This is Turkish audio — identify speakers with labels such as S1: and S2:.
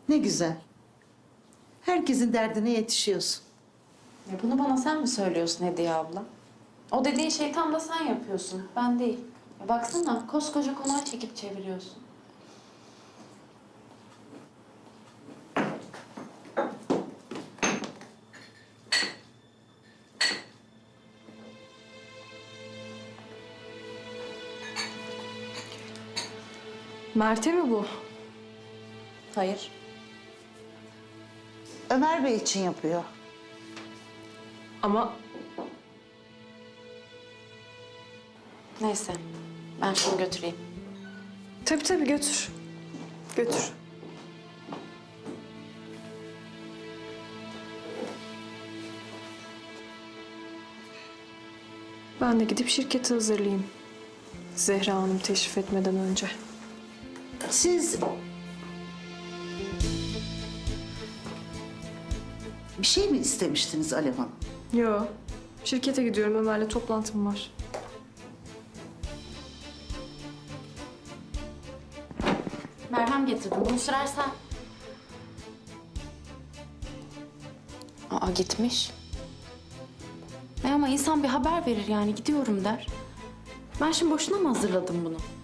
S1: Ne güzel. Herkesin derdine yetişiyorsun.
S2: Ya bunu bana sen mi söylüyorsun Hediye abla? O dediğin şey tam da sen yapıyorsun, ben değil. Ya baksana, koskoca konağı çekip çeviriyorsun.
S3: Mert'e mi bu?
S2: Hayır.
S1: Ömer Bey için yapıyor.
S3: Ama
S2: Neyse, ben şunu götüreyim.
S3: tabii götür. Götür. Ben de gidip şirketi hazırlayayım. Zehra Hanım teşrif etmeden önce.
S1: Siz... Bir şey mi istemiştiniz Alev Hanım?
S3: Yo, şirkete gidiyorum. Ömer'le toplantım var.
S2: Merhem getirdim, bunu sürersen. Aa, gitmiş. Ama insan bir haber verir yani, gidiyorum der. Ben şimdi boşuna mı hazırladım bunu?